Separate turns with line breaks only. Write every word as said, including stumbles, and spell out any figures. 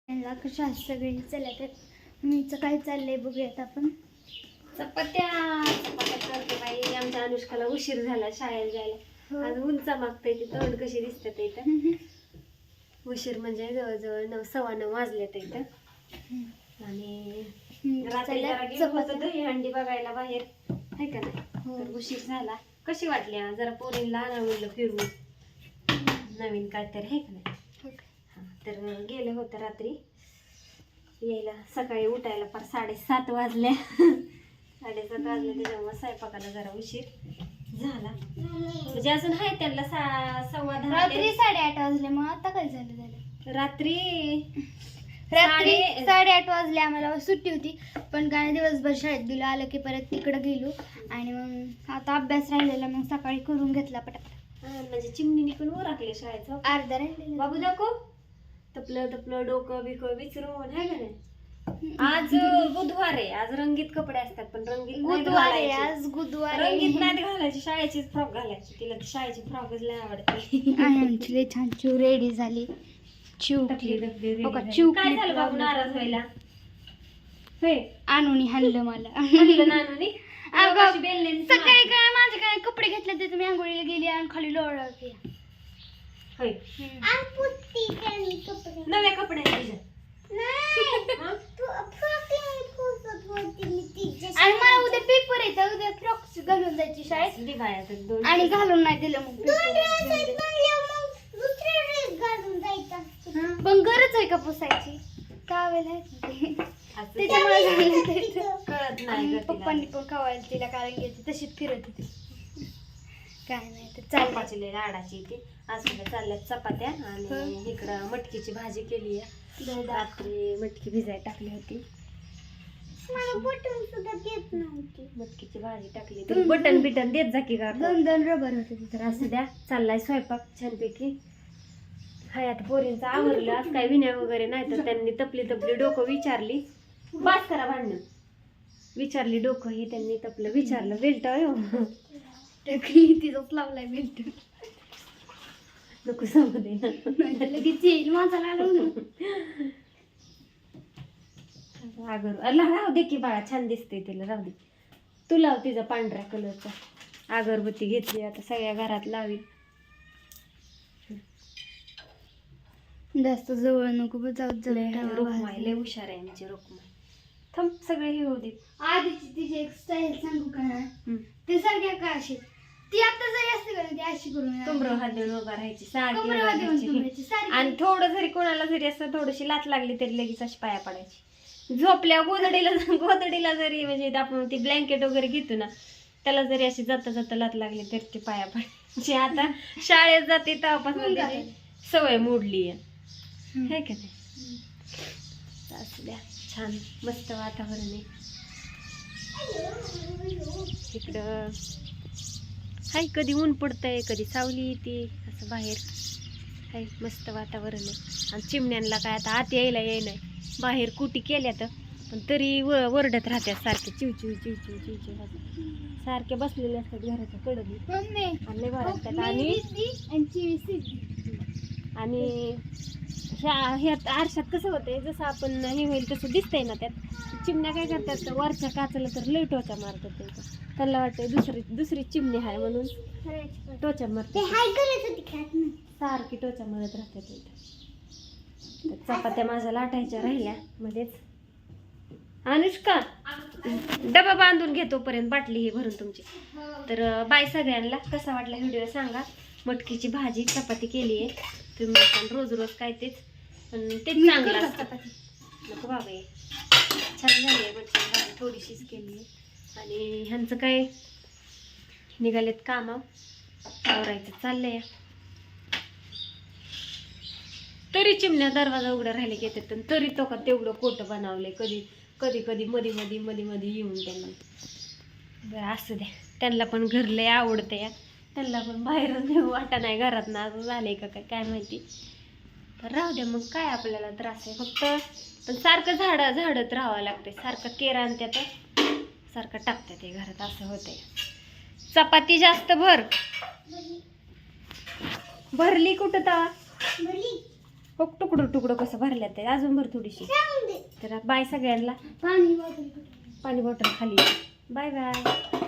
त्यांना कशा सगळे चला तर मीचं काय चाललंय बघूयात आपण.
चपात्या चपात्या करते बाई. आमच्या अनुष्काला उशीर झाला शाळेला जायला. आज उंच मागतंय ती तोंड कशी दिसतात इथं. उशीर म्हणजे जवळजवळ नऊ सव्वा नऊ वाजलेत इथं. आणि रात्री जरा गेलो होतो दही हंडी बघायला बाहेर, आहे का नाही, तर उशीर झाला. कशी वाटली आज? जरा पोरींला आणा म्हणलं फिरवून नवीन काहीतरी, आहे का नाही. तर गेले होते रात्री, यायला सकाळी उठायला फार साडेसात वाजल्या. साडेसात वाजले त्याच्यामुळे स्वयंपाकाला जरा उशीर झाला. म्हणजे अजून आहे त्यांना सा सव्वा दहा.
रात्री साडेआठ वाजले. मग आता काय झालं झालं
रात्री
रात्री साडेआठ वाजले. आम्हाला सुट्टी होती पण काय दिवसभर शाळेत गेलो, आलं की परत तिकडं गेलो आणि मग आता अभ्यास राहिलेला मग सकाळी करून घेतला पटापट.
म्हणजे चिमणीने पण ओरखले शाळेचं.
अर्धा राहिलेला.
बाबू दाखव तपलं तपलं डोकं बिकं विचारून, आहे का नाही. आज बुधवार आहे, आज रंगीत कपडे असतात पण रंगीत
बुधवार आहे आज. बुधवार
रंगीत नाही घालायची, शाळेचीच फ्रॉक घालायची. तिला शाळेची फ्रॉकच लय आवडते.
आमची लय छान चिव रेडी झाली. चिव चिव
काय झालं बाबू नाराज व्हायला?
आणून हाणलं मला.
नानूनी
सकाळी काय माझे काय कपडे घेतले ते तुम्ही आंघोळीला गेली आणि खाली लोळवते.
नव्या कपडे
आणि मला उद्या पेपर येतं, उद्या फ्रॉक्स घालून जायची शाळेत आणि घालून नाही दिलं मग पण गरज आहे का पुसायची कावेला त्याच्यामुळे
कळत नाही.
पप्पांनी पण खावायला तिला कारण घ्यायची तशीच फिरत होती. काय नाही तर चालपाची
लय लाडाची ती. आज चालल्यात चपात्या आणि इकडं मटकीची भाजी केली आहे. रात्री मटकी भिजायला टाकली होती.
बटन सुद्धा देत नव्हती.
मटकीची भाजी टाकली तर बटन बिटन देत जा की का.
दोन दोन रबर होते
तर असू द्या. चाललाय स्वयंपाक छानपैकी. हाय आता पोरींचं आवरलं. आज काय विण्या वगैरे नाही तर त्यांनी तपली तपली डोकं विचारली. बास करा भांडण. विचारली डोकं ही त्यांनी तपलं विचारलं. बेल्ट हो
तिथंच लावलाय बेल्ट.
नको सांगू दे
लगेच येईल माझा लागून.
आगर राहू दे की बाळा, छान दिसते तिला. राहू दे. तू लाव तिचा पांढऱ्या कलरचा. अगरबत्ती घेतली आता सगळ्या घरात लावी.
जास्त जवळ नको जाऊ.
रोकमाई लय हुशार आहे आमची रोकमाई. थांब सगळे हे होते.
आधीची तिची एक स्टाईल सांगू का ना, ते सारख्या का अशी ती आता जरी असते का ती अशी करून
कमर हात देऊन उभा राहायची सारखी. आणि थोडं जरी कोणाला जरी असं थोडीशी लात लागली तरी लगेच अशी पाया पडायची. झोपल्या गोदडीला गोदडीला जरी म्हणजे आपण ती ब्लँकेट वगैरे घेतो ना, त्याला जरी अशी जाता जाता लात लागली तरी ती पाया पडायची. आता शाळेत जाते तेव्हापासून त्याची सवय मोडली आहे, है का नाही. असू द्या. छान मस्त वातावरण आहे इकडं. हाय कधी ऊन पडतंय कधी सावली येते असं बाहेर. हाय मस्त वातावरण आहे. आणि चिमण्यांना काय आता आत यायला येई नाही. बाहेर कुटी केल्या तर पण तरी व वरडत राहतात सारखे. चिव चिव चिव चिव चिव चिव सारखे बसलेले असतात घराच्या कडे. आणि आणि ह्या ह्यात आरशात कसं होतंय जसं आपण हे होईल तसं दिसतंय ना. त्यात चिमण्या काय करतात वरच्या काचाला तर लय टोचा मारतात. त्यांचा त्यांना वाटतं दुसरी दुसरी चिमणी आहे म्हणून टोचा मारतात. सारखी टोचा मारत राहतात. चपात्या माझ्या लाटायच्या राहिल्या मध्येच. अनुष्का डबा बांधून घेतो पर्यंत बाटली ही भरून तुमची. तर बाय सगळ्यांना. कसा वाटला व्हिडिओ सांगा. मटकीची भाजी चपाती केली आहे. तुम्ही पण रोज रोज काय तेच पण तेच चांगलं असतं. नको बाबा ये छान झाली आहे मटकीची भाजी. थोडीशीच केली आहे. आणि ह्यांचं काय निघालेत कामं आवरायचं चाललंय. तरी चिमण्या दरवाजा उघडा राहिले की येतात तरी तो का तेवढं कोटं बनवलंय. कधी कधी कधी मध्ये मध्ये मध्ये मध्ये येऊन त्यांना. बरं असू द्या. त्यांना पण घर लय आवडतं या. त्यांना पण बाहेरून देऊ वाटा नाही घरात ना असं झालंय का काय काय माहिती. तर राहू द्या मग काय आपल्याला त्रास आहे. फक्त पण सारखं झाडं झाडत राहावं लागतंय. सारखं केरा आणि त्यात सारखं टाकतात ते घरात असं होतंय. चपाती जास्त भर भरली कुठं तवा हो तुकडं तुकडं कसं भरल्यात ते अजून भर थोडीशी. तर बाय सगळ्यांना.
पाणी बॉटल
पाणी बॉटल खाली. Bye bye.